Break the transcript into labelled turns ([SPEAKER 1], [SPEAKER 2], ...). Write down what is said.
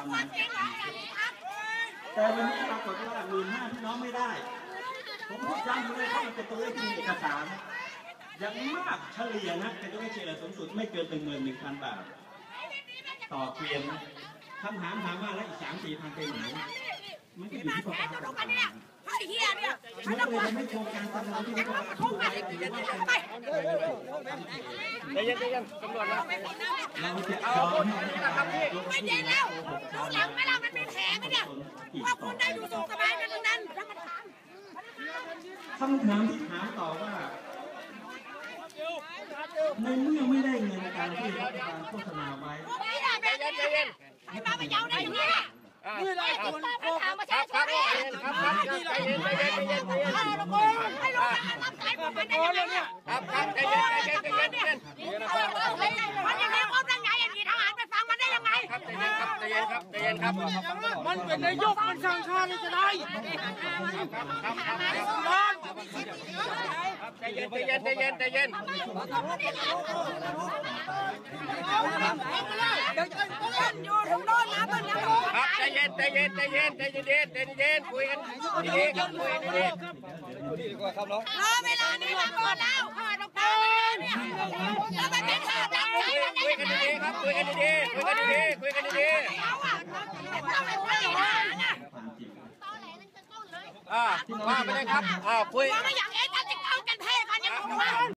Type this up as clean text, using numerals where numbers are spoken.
[SPEAKER 1] อนนั้นแต่วันนี้ปรากฏว่า15,000พี่น้องไม่ได้ผมพูดย้ำเลยเพราะมันเป็นตัวเลขที่มีเอกสารอย่างมากเฉลี่ยนะเป็นตัวเลขเฉลี่ยสูงสุดไม่เกิน11,000 บาทต่อเกวียนคำถามถามว่าแล้วอีก3-4 พันไปไหนมันก็อยู่ที่ประมาณ
[SPEAKER 2] ไอ้เหี้ยเนี่ย
[SPEAKER 1] มันก็เลยไม่โครงการตำรวจที่เขาพูดไว้
[SPEAKER 3] ใจเย็นตำรวจนะ
[SPEAKER 1] เราจะเอา
[SPEAKER 2] ไม่เย็นแล้วดูหลังไหมล่ะมันมีแผลไหมเนี่ยว่าคุณได้ดูสุขสบายกันทั้งนั้น
[SPEAKER 1] คำถามที่ถามต่อว่าในเมื่อไม่ได้เงินการที่รัฐบาลโฆษณาไว้
[SPEAKER 2] ใจเย็นไอ้บ้าไปยาวได้ยังไงนี่แหละคนถามมาใช่ไหมใจเย็นให้ลูกรับสายผมมันได้ยังไง
[SPEAKER 3] ใจเย็น
[SPEAKER 2] มันยังไงครบได้ไงอย่างนี้ทหารไปฟังมันได้ยังไง
[SPEAKER 3] ใจเย็นครับ
[SPEAKER 4] มันเป็นนายกมันสั่งการจะได้
[SPEAKER 3] ใจเย็น
[SPEAKER 2] อยู่ตรงโน้นนะเพื่อนยัง
[SPEAKER 3] ครับใจเย็นคุยกันดีๆครับคุยกันดีๆ
[SPEAKER 4] ครับน้อง
[SPEAKER 2] เวลานี้มาก่อนแล้วข้าต้องการเนี่ยแล้วมันเป็นข้าดังใจมันได้ยังไง
[SPEAKER 3] ครับคุยกันดีๆ
[SPEAKER 2] เอาอ่ะต้องไปคุยหาไง
[SPEAKER 3] ว่าไปเลยครับคุย
[SPEAKER 2] ว่าไม่อยากเอ็นจะเข้ากันเทกันยังไง